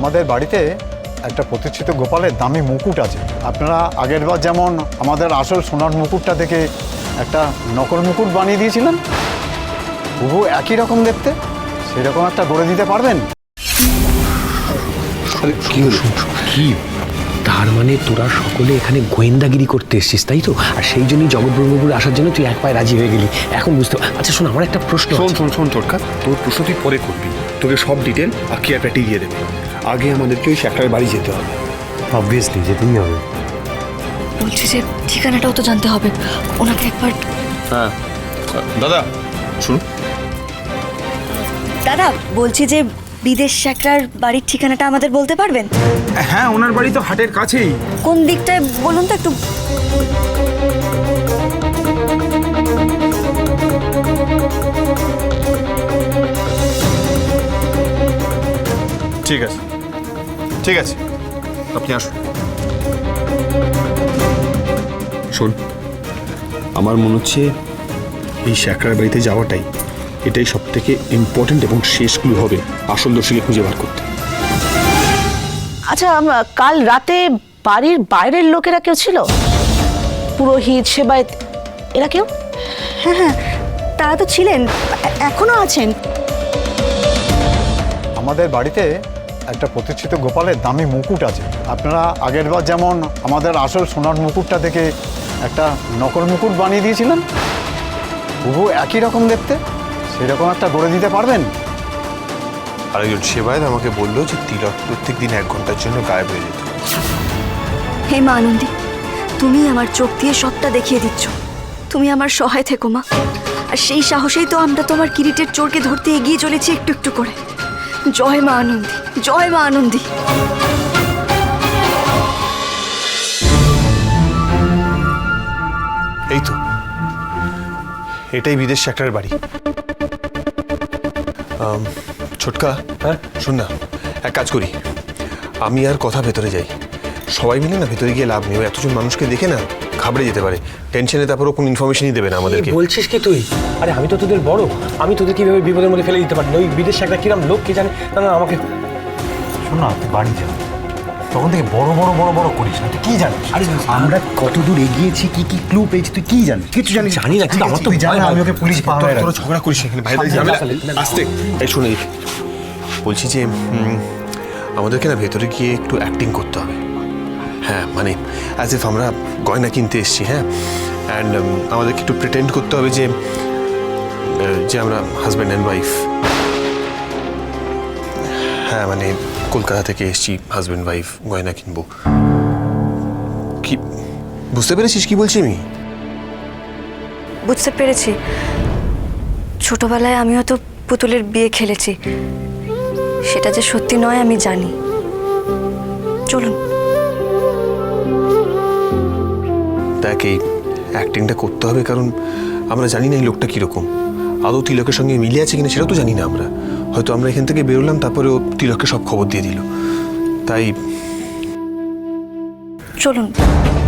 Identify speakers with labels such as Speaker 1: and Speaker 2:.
Speaker 1: আমাদের বাড়িতে একটা প্রতিষ্ঠিত গোপালের দামি মুকুট আছে। আপনারা আগেরবার যেমন আমাদের আসল সোনার মুকুটটা থেকে একটা নকল মুকুট বানিয়ে দিয়েছিলেন, হুবহু একই রকম দেখতে, সেরকম একটা গড়ে দিতে পারবেন?
Speaker 2: কি হলো? কি তার মানে তোরা সকলে এখানে গোয়েন্দাগিরি করতে এসেছিস, তাই তো? আর সেই জন্যই জগৎ ব্রহ্মপুর আসার জন্য তুই এক পায়ে রাজি হয়ে গেলি। এখন বুঝতে আচ্ছা শোন, আমার একটা প্রশ্ন।
Speaker 3: শোন তোরকা, তোর প্রশ্ন তুই পরে করবি। তোকে সব ডিটেল আকিয়া প্যাটি দিয়ে দেবে। আগে আমাদেরকে ওই শ্যাকরার বাড়ি যেতে হবে।
Speaker 4: অবভিয়াসলি যেতেই হবে।
Speaker 5: বলছি যে ঠিকানাটাও তো জানতে হবে, ওনাকে একবার।
Speaker 3: হ্যাঁ দাদা শুনুন।
Speaker 5: দাদা বলছি যে বিদেশ শ্যাকরার বাড়ির ঠিকানাটা আমাদের বলতে পারবেন?
Speaker 3: হ্যাঁ, ওনার বাড়ি তো হাটের কাছেই।
Speaker 5: কোন দিকটায় বলুন তো একটু।
Speaker 3: ঠিক আছে ঠিক আছে, আপনি আসুন। শোন, আমার মনে হচ্ছে এই শ্যাকরার বাড়িতে যাওয়াটাই এটাই সব থেকে ইম্পর্টেন্ট এবং শেষ ক্লু হবে আসল দোষীকে খুঁজে বার করতে।
Speaker 6: আচ্ছা, কাল রাতে বাড়ির বাইরের লোকেরা কেউ ছিল? পুরোহিত, সেবায়েত, এরা কেউ?
Speaker 5: হ্যাঁ হ্যাঁ, তারা তো ছিলেন, এখনো আছেন।
Speaker 1: আমাদের বাড়িতে একটা প্রতিষ্ঠিত গোপালের দামি মুকুট আছে। আপনারা আগেরবার যেমন আমাদের আসল সোনার মুকুটটা থেকে একটা নকল মুকুট বানিয়ে দিয়েছিলেন, হুবহু একই রকম দেখতে, সেরকম একটা গড়ে দিতে পারবেন?
Speaker 7: আরেকজন সেবায়ত আমাকে বললো যে তিলক প্রত্যেক দিন 1 ঘন্টার জন্য গায়েব হয়ে যেত।
Speaker 5: হে মা আনন্দী, তুমি আমার চোখ দিয়ে সবটা দেখিয়ে দিচ্ছ। তুমি আমার সহায় থেকো মা। আর সেই সাহসেই তো আমরা তোমার কিরিটের চোরকে ধরতে এগিয়ে চলেছি একটু একটু করে। জয় মা আনন্দী, জয় মা আনন্দী।
Speaker 7: এই তো, এটাই বিদেশ শ্যাকরার বাড়ি। ছোটকা, হ্যাঁ শোন না, এক কাজ করি, আমি আর কথা ভেতরে যাই। সবাই মিলে না ভেতরে গিয়ে লাভ নেই, এতজন মানুষকে দেখে না ঘাবড়ে যেতে পারে, টেনশনে তারপরও কোনো ইনফরমেশনই দেবে না আমাদেরকে।
Speaker 2: বলছিস কি তুই? আরে আমি তো তোদের বড়, আমি তোদের কিভাবে বিপদের মধ্যে ফেলে দিতে পারি? ওই বিদেশ একটা কিরম লোক কে জানে। না না, আমাকে
Speaker 4: শোন না, তুই বাড়ি যা, তখন থেকে বড় বড় করিস না। তুই কি জানিস?
Speaker 2: আরে
Speaker 4: আমরা কত দূর এগিয়েছি, কি কি ক্লু পেয়েছি, তুই কি জানিস? কিছু জানিস?
Speaker 2: জানি না, কিন্তু আমার তো
Speaker 4: তুই জানা, আমি ওকে পুলিশ পাহাড়ে
Speaker 7: তোরা ঝগড়া করিস এখানে, ভাই আসতে। এই শুনে বলছি যে আমাদেরকে না ভেতরে গিয়ে একটু অ্যাক্টিং করতে হবে। হ্যাঁ, মানে অ্যাজ ইফ আমরা গয়না কিনতে এসেছি। হ্যাঁ, অ্যান্ড আমাদেরকে একটু প্রিটেন্ড করতে হবে যে যে আমরা হাজব্যান্ড অ্যান্ড ওয়াইফ। হ্যাঁ, মানে কলকাতা থেকে এসেছি, হাজব্যান্ড ওয়াইফ গয়না কিনবো। কি বুঝতে পেরেছিস কি বলছি আমি?
Speaker 5: বুঝতে পেরেছি। ছোটবেলায় আমিও তো পুতুলের বিয়ে খেলেছি, সেটা যে সত্যি নয় আমি জানি। চলুন।
Speaker 7: দেখ, এই অ্যাক্টিংটা করতে হবে, কারণ আমরা জানি না এই লোকটা কীরকম, আদৌ তিলকের সঙ্গে মিলে আছে কিনা সেটাও তো জানি না আমরা। হয়তো আমরা এখান থেকে বেরোলাম, তারপরে ও তিলককে সব খবর দিয়ে দিল, তাই
Speaker 5: চলুন।